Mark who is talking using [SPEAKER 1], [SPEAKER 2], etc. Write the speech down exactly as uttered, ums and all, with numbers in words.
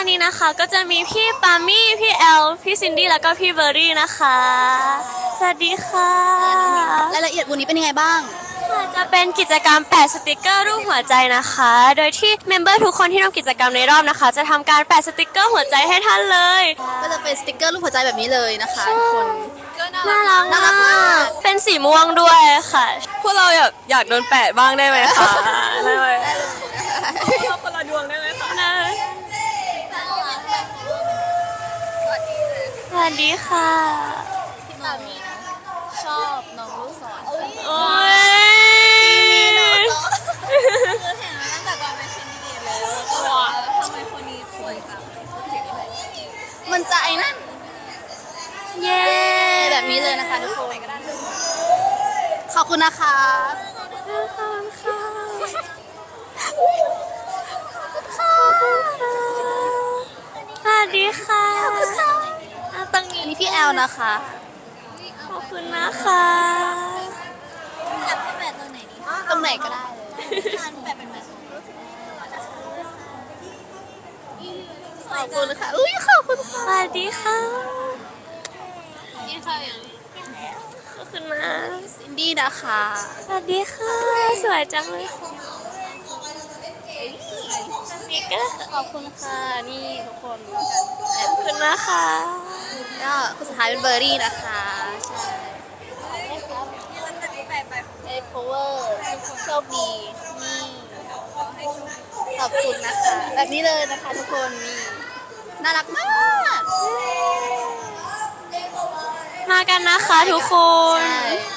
[SPEAKER 1] นี้นะคะก็จะมีพี่ปามี่พี่แอลพี่ซินดี้แล้วก็พี่เบอร์รี่นะคะสวัสดีค่ะ
[SPEAKER 2] รายละเอียดวันนี้เป็นยังไงบ้าง
[SPEAKER 1] ค่ะจะเป็นกิจกรรมแปะสติกเกอร์รูปหัวใจนะคะโดยที่เมมเบอร์ทุกคนที่ร่วมกิจกรรมในรอบนะคะ จะทำการแปะสติกเกอร์หัวใจให้ท่านเลย
[SPEAKER 2] ก็จะเป็นสติกเกอร์รูปหัวใจแบบนี้เลยนะคะทุกคน
[SPEAKER 1] น่ารักมากเป็นสีม่วงด้วยค่ะพวกเราอยากอยากโดนแปะบ้างได้ไหมคะได้ไหมเราคนละดวงได้ไหมคะสวัสดีค่ะ
[SPEAKER 2] พี่ปามี่ชอบน้องลูกศร
[SPEAKER 1] โอ้ย
[SPEAKER 2] คือเห็นมาตั้งแต่ตอนเป็นชิ้นดีเลยแล้วก็ทำไมคนนี้สวยจังมันจะไอ้นั่น
[SPEAKER 1] เย้
[SPEAKER 2] แบบนี้เลยนะคะทุกคนขอบคุณนะคะ
[SPEAKER 1] ขอบคุณค่ะสวัสดีค่ะตรงนี้
[SPEAKER 2] อันนี้พี่แอลนะคะ
[SPEAKER 1] ขอบคุณนะคะ
[SPEAKER 2] อยากให้แปะตรงไหนดีตรงไหนก็ได้เลยแปะเป็นแบบขอบคุณค่ะอุ้ยขอบคุณค่ะ
[SPEAKER 1] สวัสดีค่ะ
[SPEAKER 2] นี่ค่ะอย่าง
[SPEAKER 1] ขอบคุณนะ
[SPEAKER 2] ซินดี้นะคะ
[SPEAKER 1] สวัสดีค่ะสวยจังเลยค่ะนี่ก็
[SPEAKER 2] ขอบคุณค่ะนี่ทุกคน
[SPEAKER 1] ขอบคุณนะคะ
[SPEAKER 2] ก็คนสุดท้ายเป็นเบอร์รี่นะคะใช่เอ็กโคเวอร์โชคดีนี่ขอบคุณนะคะแบบนี้เลยนะคะทุกคนนี่น่ารักมาก
[SPEAKER 1] มากันนะคะทุกคน
[SPEAKER 2] ใช่